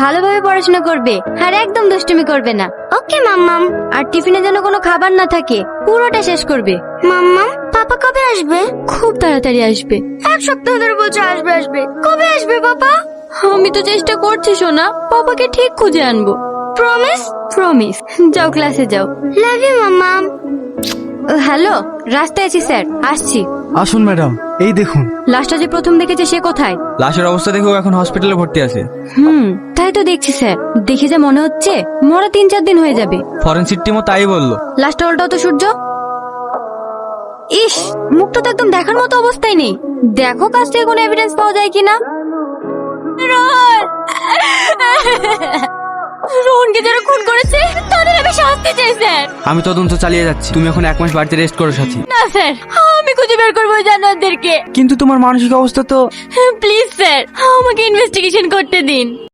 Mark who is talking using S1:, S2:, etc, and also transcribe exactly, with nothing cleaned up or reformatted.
S1: ভালোভাবে পড়াশোনা করবে আর একদম দুষ্টুমি করবে না। ওকে মাম্মাম। আর টিফিনে যেন কোনো খাবার না থাকে, পুরোটা শেষ করবে। মাম্মাম, পাপা কবে আসবে? খুব তাড়াতাড়ি আসবে। এক সপ্তাহ ধরে বলছে আসবে আসবে। কবে আসবে পাপা? আমি তো চেষ্টা করছি সোনা, পাপাকে ঠিক খুঁজে আনবো। প্রমিস? প্রমিস। যাও ক্লাসে যাও। লাভ ইউ মাম্মাম। হ্যালো, রাস্তায় আছি স্যার, আসছি।
S2: আসুন ম্যাডাম, এই দেখুন।
S1: লাশটা যে প্রথম দেখেছে সে কোথায়?
S2: লাশের অবস্থা দেখেও এখন হসপিটালে ভর্তি আছে।
S1: হুম, তাই তো দেখছি স্যার। দেখে যা মনে হচ্ছে মরা তিন চার দিন হয়ে যাবে।
S2: ফরেনসিক টিমও তাই বললো।
S1: লাশটা উল্টাও তো সূর্য। ইস, মুখটা তো একদম দেখার মতো অবস্থায় নেই। দেখো কাছ থেকে কোনো এভিডেন্স পাওয়া যায় কিনা। রোহন, রোহনকে যারা খুন করেছে তাদের আমি শাস্তি চাই স্যার।
S2: আমি তদন্ত চালিয়ে যাচ্ছি, তুমি এখন এক মাস বাড়িতে রেস্ট করো সাথী।
S1: না স্যার, আমি খুঁজে বের করবো জানোয়ারদেরকে।
S2: কিন্তু তোমার মানসিক অবস্থা তো।
S1: প্লিজ স্যার, আমাকে ইনভেস্টিগেশন করতে দিন।